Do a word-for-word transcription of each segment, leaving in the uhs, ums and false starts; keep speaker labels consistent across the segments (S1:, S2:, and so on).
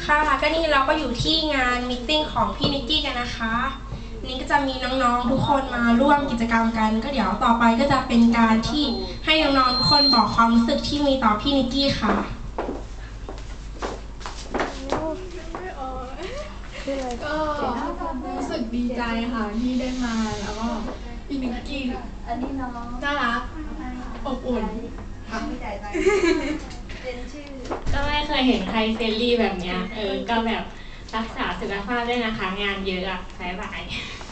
S1: ค่ะก็นี่เราก็อยู่ที่งานมีตติ้งของพี่นิกกี้กันนะคะนี่ก็จะมีน้องๆทุกคนมาร่วมกิจกรรมกันก็เดี๋ยวต่อไปก็จะเป็นการที่ให้น้องๆทุกคนบอกความรู้สึกที่มีต่อพี่นิกกี้ค่ะ
S2: ก็รู้สึกดีใจค่ะที่ได้มาแล้วก็พี่นิกกี้น่ารักอบอุ่นค่ะ
S3: ก็ไม่เคยเห็นใครเฟรนลี่แบบเนี้ยเออก็แบบรักษาสุขภาพด้วยนะคะงานเยอะอะบายบาย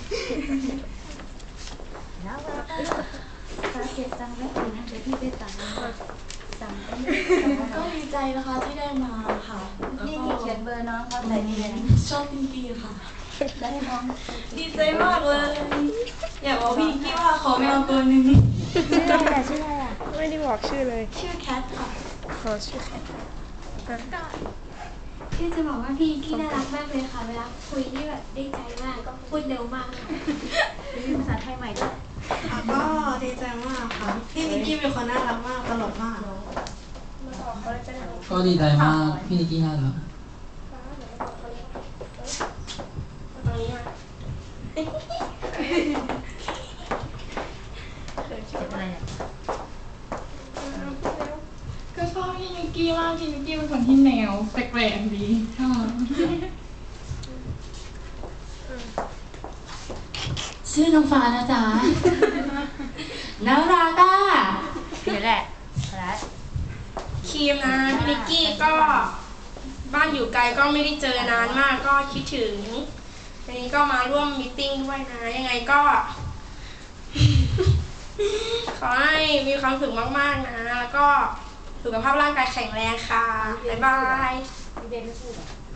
S2: ก็ดีใจนะคะที่ได้มาค่ะนี่มีเขียนเบอร์น้องเขาใส่ดีเลยชอบพี่นิกกี้ค่ะได้น้องดีใจมากเลยอยากบอกพี่นิกกี้ว่าขอแมวตัวหนึ่ง
S4: ชื่ออะไรอ่ะชื่ออะไรอ่ะไม่ได้บอกชื่อเลย
S2: ชื่อแคทค่ะ
S4: ขอชื่อแคท
S5: ที่จะบอกว่าพี่พี่น่ารักมากเลยค่ะเวลาคุยที่แบบได้ใจมากก็พูดเร็วมากค่ะ
S4: มีภาษาไทยใหม่ด้วย
S2: ก็ดีใจมากค่ะพี่นิกกี้เป็นคนน่ารักมากตลกมาก
S6: ก็ดีใจมากพี่นิกกี้น่ารัก
S2: ก็ชอบพี่นิกกี้มากพี่นิกกี้เป็นคนที่แนวแปลกๆดีชอบ
S3: ชื่อน้องฟ้านะจ๊ะน่ารักอ่ะ
S4: นี่แหละแล้ว
S1: ครีมนะพี่นิกกี้ก็บ้านอยู่ไกลก็ไม่ได้เจอนานมากก็คิดถึงวันนี้ก็มาร่วมมีตติ้งด้วยนะยังไงก็ ขอให้มีความสุขมากๆนะแล้วก็สุขภาพร่างกายแข็งแรงค่ะบ๊ายบาย